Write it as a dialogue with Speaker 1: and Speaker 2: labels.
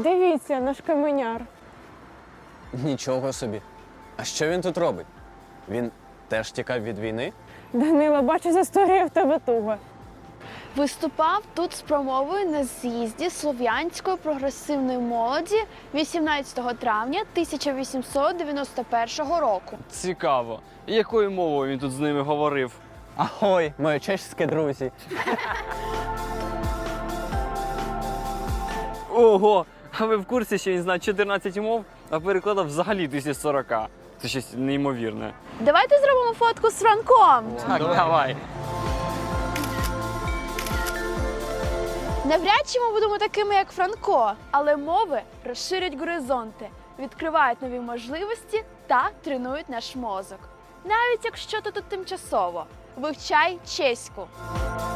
Speaker 1: Дивіться, наш каменяр.
Speaker 2: Нічого собі. А що він тут робить? Він теж тікав від війни?
Speaker 1: Данила, бачу, з історією в тебе туго.
Speaker 3: Виступав тут з промовою на з'їзді слов'янської прогресивної молоді 18 травня 1891 року.
Speaker 4: Цікаво. І якою мовою він тут з ними говорив?
Speaker 2: Ахой, мої чеські друзі.
Speaker 4: Ого! А ви в курсі, що він знає 14 мов, а перекладав взагалі 1040? Це щось неймовірне.
Speaker 3: Давайте зробимо фотку з Франком.
Speaker 4: Так, давай.
Speaker 3: Навряд чи ми будемо такими, як Франко, але мови розширюють горизонти, відкривають нові можливості та тренують наш мозок. Навіть якщо ти тут тимчасово. Вивчай чеську.